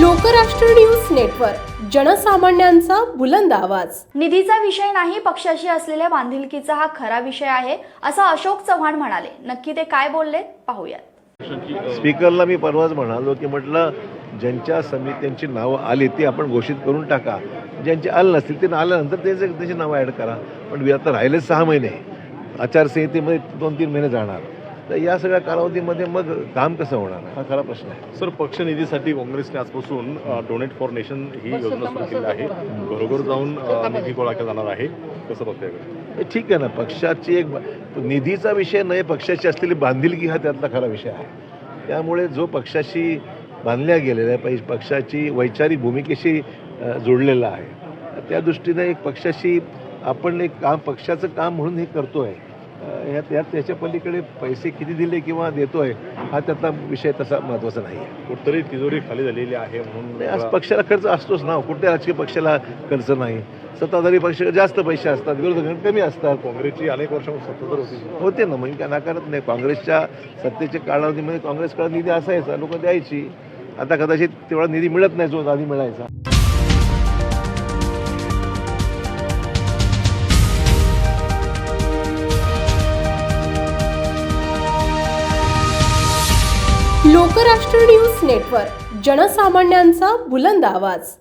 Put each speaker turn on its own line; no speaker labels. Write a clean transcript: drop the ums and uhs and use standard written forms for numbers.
लोकराष्ट्र news network, जनसामान्यांचा बुलंद आवाज.
निधीचा विषय नाही, पक्षाशी असलेल्या बांधिलकीचा हा खरा विषय आहे, असं अशोक चव्हाण म्हणाले. नक्की ते काय बोलले पाहूयात.
स्पीकरला मी परवाच म्हणालो की म्हटलं ज्यांच्या समित्यांची नावं आली ती आपण घोषित करून टाका, ज्यांची आलं नसतील ते आल्यानंतर त्याची नावं ॲड करा. पण आता राहिले 6 महिने, आचारसंहितेमध्ये 2-3 महिने जाणार, तर या सगळ्या कालावधीमध्ये मग काम कसं होणार हा खरा प्रश्न आहे.
सर, पक्ष निधीसाठी काँग्रेसने आजपासून डोनेट फॉर नेशन ही योजना सुरू केली आहे. घरोघर जाऊन निधी गोळा केला जाणार आहे. कसं बघताय?
ठीक आहे ना, पक्षाची एक निधीचा विषय नाही, पक्षाची असलेली बांधिलकी हा त्यातला खरा विषय आहे. त्यामुळे जो पक्षाशी बांधल्या गेलेला आहे, पक्षाची वैचारिक भूमिकेशी जोडलेला आहे, त्या दृष्टीने एक पक्षाशी आपण एक काम पक्षाचं काम म्हणून हे करतो आहे. त्याच्या पलीकडे पैसे किती दिले किंवा देतोय हा त्यातला विषय तसा महत्त्वाचा नाही आहे.
कुठतरी तिजोरी खाली झालेली आहे म्हणून
आज पक्षाला खर्च असतोच ना, कुठल्या राजकीय पक्षाला खर्च नाही. सत्ताधारी पक्ष जास्त पैसे असतात, विरोधक कमी असतात.
काँग्रेसची अनेक वर्षांपासून सत्ताधार
होते ना, म्हणजे काय नाकारत नाही. काँग्रेसच्या सत्तेच्या कालावधीमध्ये काँग्रेसकडे निधी असायचा, लोक द्यायची. आता कदाचित तेवढा निधी मिळत नाही जो आधी मिळायचा.
लोकराष्ट्र न्यूज नेटवर्क, जनसामान्यांचा बुलंद आवाज.